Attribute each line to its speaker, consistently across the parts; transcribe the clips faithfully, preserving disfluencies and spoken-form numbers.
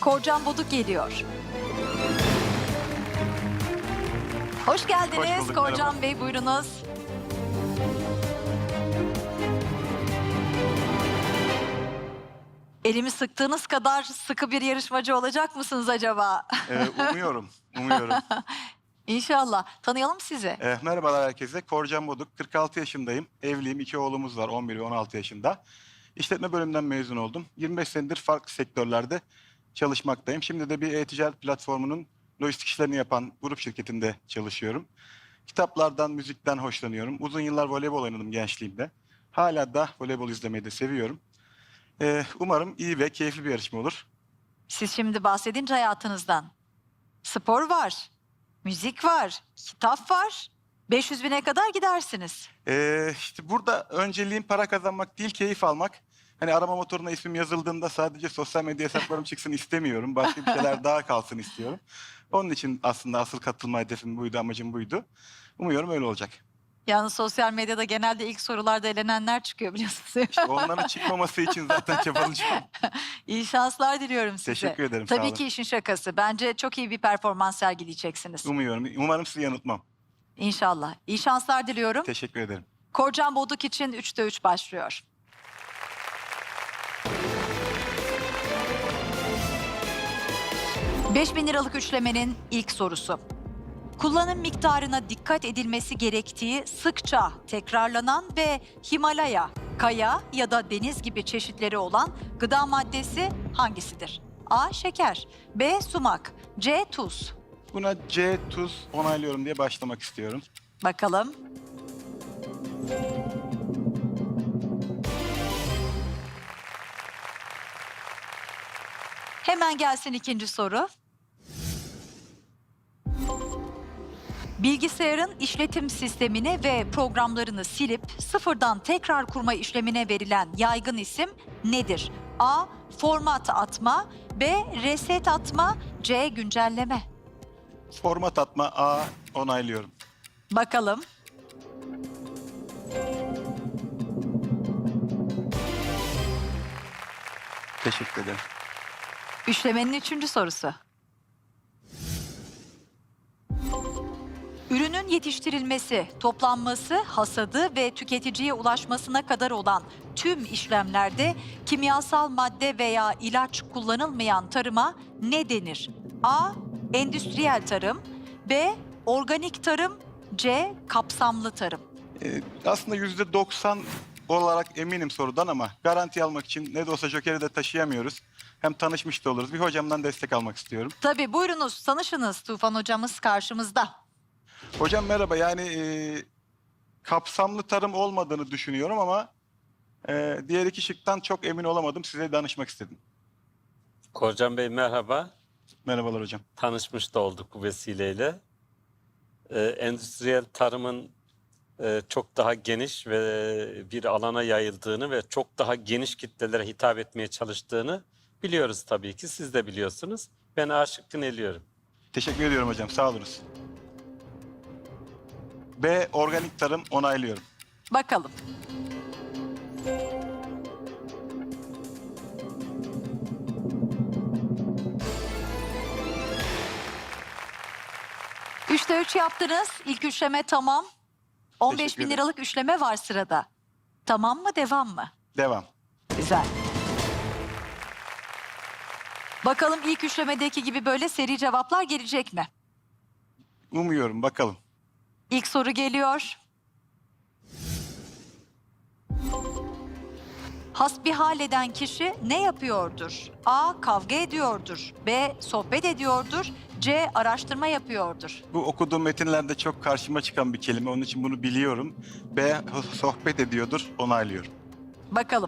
Speaker 1: Korcan Boduk geliyor. Hoş geldiniz
Speaker 2: Hoş bulduk,
Speaker 1: Korcan
Speaker 2: merhaba.
Speaker 1: Bey, buyurunuz. Elimi sıktığınız kadar sıkı bir yarışmacı olacak mısınız acaba?
Speaker 2: Ee, umuyorum, umuyorum.
Speaker 1: İnşallah. Tanıyalım sizi.
Speaker 2: Ee, merhabalar herkese. Korcan Boduk, kırk altı yaşındayım. Evliyim, iki oğlumuz var, on bir ve on altı yaşında. İşletme bölümünden mezun oldum. yirmi beş senedir farklı sektörlerde çalışmaktayım. Şimdi de bir e-ticaret platformunun lojistik işlerini yapan grup şirketinde çalışıyorum. Kitaplardan, müzikten hoşlanıyorum. Uzun yıllar voleybol oynadım gençliğimde. Hala da voleybol izlemeyi de seviyorum. Ee, umarım iyi ve keyifli bir yarışma olur.
Speaker 1: Siz şimdi bahsedince hayatınızdan. Spor var, müzik var, kitap var. beş yüz bine kadar gidersiniz.
Speaker 2: Ee, işte burada önceliğim para kazanmak değil, keyif almak. Hani arama motoruna ismim yazıldığında sadece sosyal medya hesaplarım çıksın istemiyorum. Başka bir şeyler daha kalsın istiyorum. Onun için aslında asıl katılma hedefim buydu, amacım buydu. Umuyorum öyle olacak.
Speaker 1: Yalnız sosyal medyada genelde ilk sorularda elenenler çıkıyor biliyorsunuz.
Speaker 2: İşte onların çıkmaması için zaten çabalayacağım.
Speaker 1: İyi şanslar diliyorum size.
Speaker 2: Teşekkür ederim, sağ
Speaker 1: Tabii
Speaker 2: olun.
Speaker 1: ki işin şakası. Bence çok iyi bir performans sergileyeceksiniz.
Speaker 2: Umuyorum, umarım sizi yanıltmam.
Speaker 1: İnşallah. İyi şanslar diliyorum.
Speaker 2: Teşekkür ederim.
Speaker 1: Korcan Boduk için üçte üç başlıyor. beş bin liralık üçlemenin ilk sorusu. Kullanım miktarına dikkat edilmesi gerektiği sıkça tekrarlanan ve Himalaya, kaya ya da deniz gibi çeşitleri olan gıda maddesi hangisidir? A. Şeker, B. Sumak, C. Tuz.
Speaker 2: Buna C, tuz onaylıyorum diye başlamak istiyorum.
Speaker 1: Bakalım. Hemen gelsin ikinci soru. Bilgisayarın işletim sistemini ve programlarını silip sıfırdan tekrar kurma işlemine verilen yaygın isim nedir? A. Format atma, B. Reset atma, C. Güncelleme.
Speaker 2: Format atma A onaylıyorum.
Speaker 1: Bakalım.
Speaker 2: Teşekkür ederim.
Speaker 1: Üçlemenin üçüncü sorusu. Ürünün yetiştirilmesi, toplanması, hasadı ve tüketiciye ulaşmasına kadar olan tüm işlemlerde kimyasal madde veya ilaç kullanılmayan tarıma ne denir? A. Endüstriyel tarım, B. Organik tarım, C. Kapsamlı tarım.
Speaker 2: Ee, aslında yüzde doksan olarak eminim sorudan ama garanti almak için ne de olsa Joker'i de taşıyamıyoruz. Hem tanışmış da oluruz. Bir hocamdan destek almak istiyorum.
Speaker 1: Tabii buyurunuz, tanışınız. Tufan hocamız karşımızda.
Speaker 2: Hocam merhaba. Yani e, kapsamlı tarım olmadığını düşünüyorum ama e, diğer iki şıktan çok emin olamadım. Size danışmak istedim.
Speaker 3: Korcan Bey merhaba.
Speaker 2: Merhabalar hocam.
Speaker 3: Tanışmış da olduk bu vesileyle. Ee, endüstriyel tarımın e, çok daha geniş ve bir alana yayıldığını ve çok daha geniş kitlelere hitap etmeye çalıştığını biliyoruz tabii ki. Siz de biliyorsunuz. Ben A şıkkını eliyorum.
Speaker 2: Teşekkür ediyorum hocam. Sağ olunuz. B. Organik tarım onaylıyorum.
Speaker 1: Bakalım. Üçte üç yaptınız. İlk üçleme tamam. on beş
Speaker 2: Teşekkür
Speaker 1: bin
Speaker 2: ederim.
Speaker 1: liralık üçleme var sırada. Tamam mı, devam mı?
Speaker 2: Devam.
Speaker 1: Güzel. Bakalım ilk üçlemedeki gibi böyle seri cevaplar gelecek mi?
Speaker 2: Umuyorum. Bakalım.
Speaker 1: İlk soru geliyor. Hasbihal eden kişi ne yapıyordur? A. Kavga ediyordur. B. Sohbet ediyordur. C. Araştırma yapıyordur.
Speaker 2: Bu okuduğum metinlerde çok karşıma çıkan bir kelime. Onun için bunu biliyorum. B. Sohbet ediyordur. Onaylıyorum.
Speaker 1: Bakalım.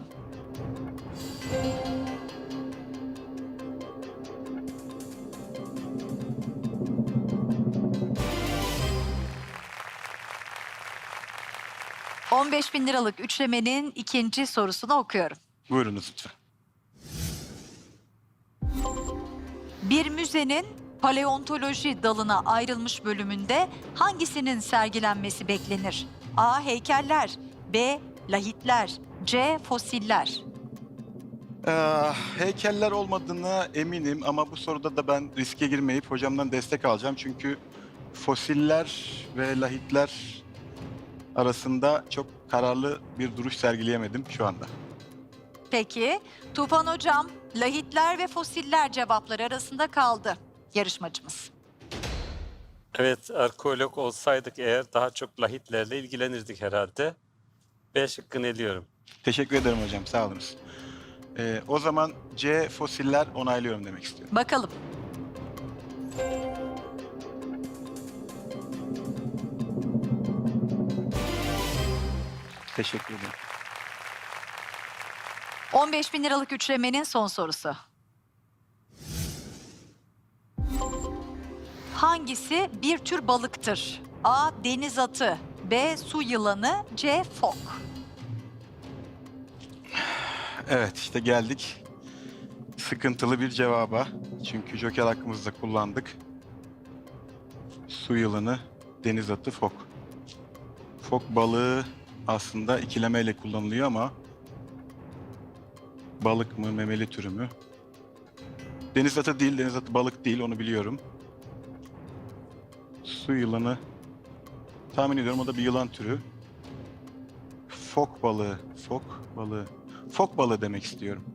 Speaker 1: on beş bin liralık üçlemenin ikinci sorusunu okuyorum.
Speaker 2: Buyurunuz lütfen.
Speaker 1: Bir müzenin paleontoloji dalına ayrılmış bölümünde hangisinin sergilenmesi beklenir? A. Heykeller, B. Lahitler, C. Fosiller.
Speaker 2: Ee, heykeller olmadığına eminim ama bu soruda da ben riske girmeyip hocamdan destek alacağım. Çünkü fosiller ve lahitler arasında çok kararlı bir duruş sergileyemedim şu anda.
Speaker 1: Peki, Tufan Hocam, lahitler ve fosiller cevapları arasında kaldı yarışmacımız.
Speaker 3: Evet, arkeolog olsaydık eğer daha çok lahitlerle ilgilenirdik herhalde. B şıkkını eliyorum.
Speaker 2: Teşekkür ederim hocam, sağ olunuz. Ee, o zaman C fosiller onaylıyorum demek istiyorum.
Speaker 1: Bakalım.
Speaker 2: Teşekkür ederim.
Speaker 1: on beş bin liralık üçlemenin son sorusu. Hangisi bir tür balıktır? A. Deniz atı, B. Su yılanı, C. Fok.
Speaker 2: Evet, işte geldik sıkıntılı bir cevaba. Çünkü joker hakkımızı da kullandık. Su yılanı, deniz atı, fok. Fok balığı aslında ikilemeyle kullanılıyor ama balık mı, memeli türü mü? Deniz atı değil, deniz atı balık değil, onu biliyorum. Su yılanı, tahmin ediyorum o da bir yılan türü. Fok balığı, fok balığı. Fok balığı demek istiyorum.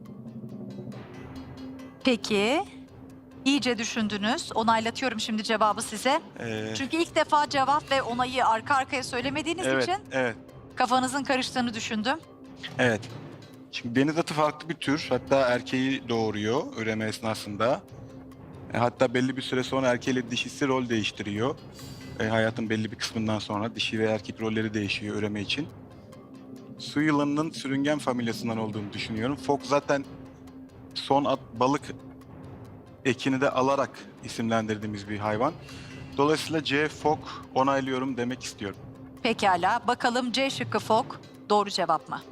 Speaker 1: Peki, iyice düşündünüz. Onaylatıyorum şimdi cevabı size.
Speaker 2: Ee,
Speaker 1: Çünkü ilk defa cevap ve onayı arka arkaya söylemediğiniz
Speaker 2: evet,
Speaker 1: için
Speaker 2: evet,
Speaker 1: kafanızın karıştığını düşündüm.
Speaker 2: evet. Şimdi deniz atı farklı bir tür. Hatta erkeği doğuruyor üreme esnasında. E, hatta belli bir süre sonra erkeğiyle dişisi rol değiştiriyor. E, hayatın belli bir kısmından sonra dişi ve erkek rolleri değişiyor üreme için. Su yılanının sürüngen familyasından olduğunu düşünüyorum. Fok zaten son at, balık ekini de alarak isimlendirdiğimiz bir hayvan. Dolayısıyla C fok onaylıyorum demek istiyorum.
Speaker 1: Pekala, bakalım C şıkkı fok doğru cevap mı?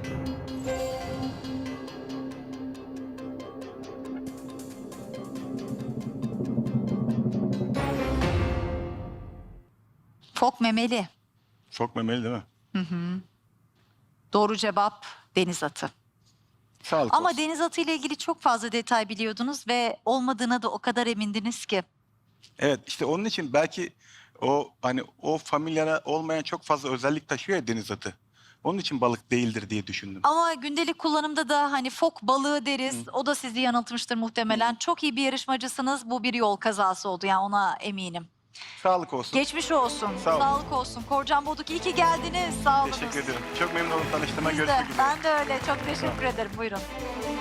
Speaker 1: Fok memeli.
Speaker 2: Fok memeli değil mi?
Speaker 1: Doğru cevap deniz atı.
Speaker 2: Sağlık
Speaker 1: Ama
Speaker 2: olsun.
Speaker 1: deniz atı ile ilgili çok fazla detay biliyordunuz ve olmadığına da o kadar emindiniz ki.
Speaker 2: Evet, işte onun için belki o hani o familyara olmayan çok fazla özellik taşıyor ya deniz atı. Onun için balık değildir diye düşündüm.
Speaker 1: Ama gündelik kullanımda da hani fok balığı deriz. O da sizi yanıltmıştır muhtemelen. Çok iyi bir yarışmacısınız. Bu bir yol kazası oldu yani ona eminim.
Speaker 2: Sağlık olsun.
Speaker 1: Geçmiş olsun.
Speaker 2: Sağ olun.
Speaker 1: Sağlık olsun. Korcan Boduk iyi ki geldiniz. Sağ olun.
Speaker 2: Teşekkür ederim. Çok memnun oldum tanıştığıma.
Speaker 1: Biz de.
Speaker 2: Görüşmek üzere.
Speaker 1: Ben de öyle. Çok teşekkür ederim. Buyurun.